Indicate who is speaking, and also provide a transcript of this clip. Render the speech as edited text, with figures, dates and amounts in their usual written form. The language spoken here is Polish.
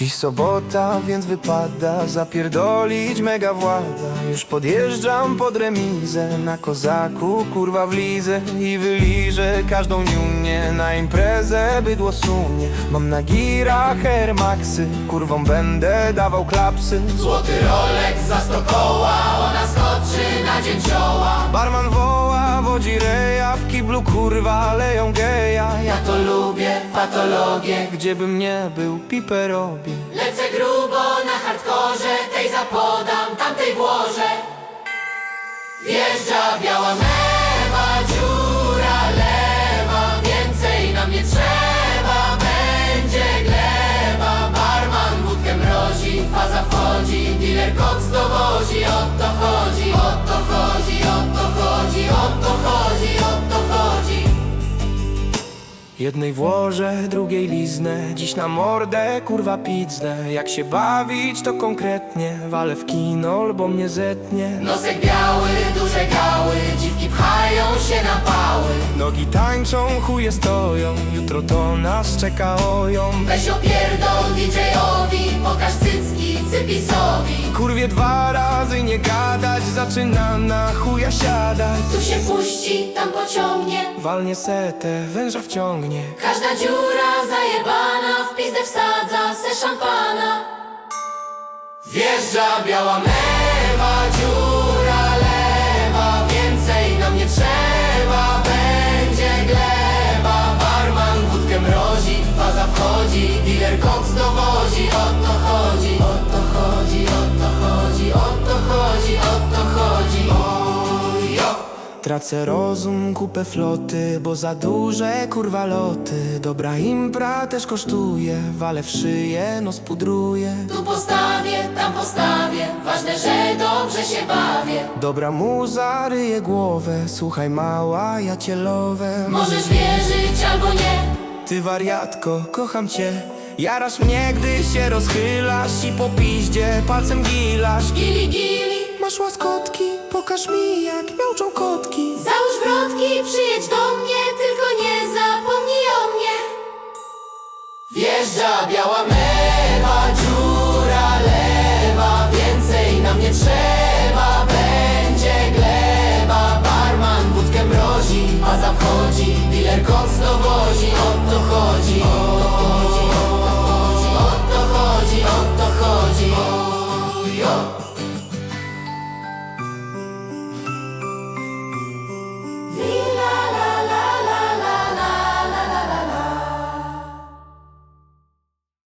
Speaker 1: Dziś sobota, więc wypada zapierdolić mega włada. Już podjeżdżam pod remizę, na kozaku kurwa wlizę i wyliżę każdą niunię. Na imprezę bydło sunie, mam na girach Air Maxy, kurwą będę dawał klapsy.
Speaker 2: Złoty Rolex za 100 koła, ona skoczy na dzięcioła.
Speaker 1: Barman woła, wodzi reja, w kiblu kurwa leją geja.
Speaker 2: Ja to lubię, patologię.
Speaker 1: Gdziebym nie był, pipę robię.
Speaker 2: Lecę grubo na hardkorze, tej zapodam, tamtej włożę. Wjeżdża biała mewa, dziura lewa. Więcej nam nie trzeba, będzie gleba. Barman wódkę mrozi, faza wchodzi, dealer koks dowozi. O to chodzi, o to chodzi, o to chodzi, o to chodzi, o to chodzi.
Speaker 1: Jednej włożę, drugiej liznę, dziś na mordę kurwa piznę. Jak się bawić to konkretnie, walę w kino, bo mnie zetnie.
Speaker 2: Nosek biały, duże gały, dziwki pchają się na pały.
Speaker 1: Nogi tańczą, chuje stoją, jutro to nas czeka oją.
Speaker 2: Weź opierdol DJ-owi, pokaż cycki cypisowi.
Speaker 1: Kurwie 2 razy nie gadać, zaczyna na chuja siadać.
Speaker 2: Tu się puści, tam pociągnie,
Speaker 1: Walnie setę, węża wciągnie.
Speaker 2: każda dziura zajebana, w pizdę wsadza se szampana. Wjeżdża biała mewa, dziura lewa. Więcej nam nie trzeba, będzie gleba. Barman wódkę mrozi, faza wchodzi, dealer koks dowozi. O to chodzi, o to chodzi, o to chodzi, o to chodzi, o to chodzi. Ojo.
Speaker 1: Tracę rozum, kupę floty, bo za duże kurwa loty. Dobra impra też kosztuje, walę w szyję, nos pudruję.
Speaker 2: Tu postawię, tam postawię, ważne, że dobrze się bawię.
Speaker 1: Dobra muza ryje głowę, słuchaj mała, ja cię lowę.
Speaker 2: Możesz wierzyć albo nie.
Speaker 1: Ty wariatko, kocham cię. Jarasz mnie, gdy się rozchylasz i po piździe palcem gilasz.
Speaker 2: Gili, gili,
Speaker 1: Masz łaskotki, pokaż mi jak miauczą kotki.
Speaker 2: załóż wrotki, przyjedź do mnie, tylko nie zapomnij o mnie. Wjeżdża biała